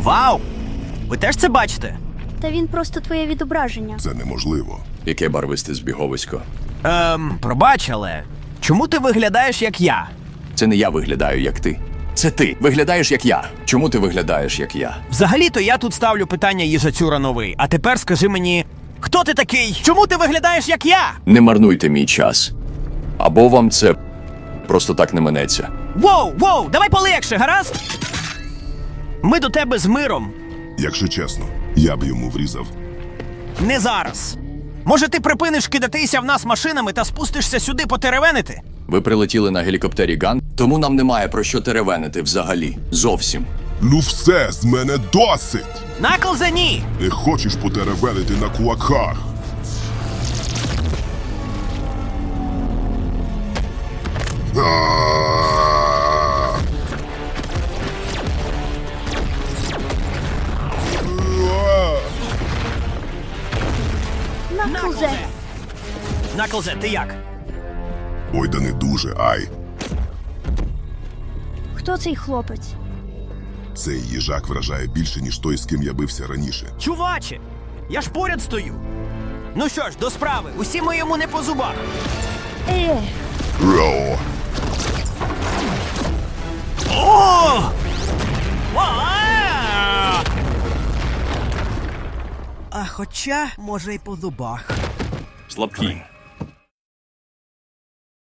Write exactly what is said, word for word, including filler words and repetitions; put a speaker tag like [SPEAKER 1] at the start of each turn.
[SPEAKER 1] Вау! Ви теж це бачите?
[SPEAKER 2] Та він просто твоє відображення.
[SPEAKER 3] Це неможливо.
[SPEAKER 4] Яке барвисте збіговисько?
[SPEAKER 1] Ем, пробач, але чому ти виглядаєш як я?
[SPEAKER 4] Це не я виглядаю, як ти. Це ти виглядаєш, як я. Чому ти виглядаєш, як я?
[SPEAKER 1] Взагалі-то я тут ставлю питання їжацюра новий. А тепер скажи мені, хто ти такий? Чому ти виглядаєш як я?
[SPEAKER 4] Не марнуйте мій час. Або вам це просто так не минеться.
[SPEAKER 1] Воу, воу, давай полегше, гаразд? Ми до тебе з миром.
[SPEAKER 3] Якщо чесно, я б йому врізав.
[SPEAKER 1] Не зараз. Може, ти припиниш кидатися в нас машинами та спустишся сюди потеревенити?
[SPEAKER 4] Ви прилетіли на гелікоптері Ган, тому нам немає про що теревенити взагалі. Зовсім.
[SPEAKER 3] Ну все, з мене досить!
[SPEAKER 1] Наклзе, ні!
[SPEAKER 3] Не хочеш потеревенити на кулаках? А!
[SPEAKER 2] Наклзе.
[SPEAKER 1] Наклзе, ти як?
[SPEAKER 3] Ой, да не дуже, ай.
[SPEAKER 2] Хто цей хлопець?
[SPEAKER 3] Цей їжак вражає більше, ніж той, з ким я бився раніше.
[SPEAKER 1] Чуваче, я ж поряд стою. Ну що ж, до справи, усі ми йому не по зубах.
[SPEAKER 2] Е,
[SPEAKER 3] Роу!
[SPEAKER 1] О! А хоча, може, й по зубах.
[SPEAKER 4] Слабкі.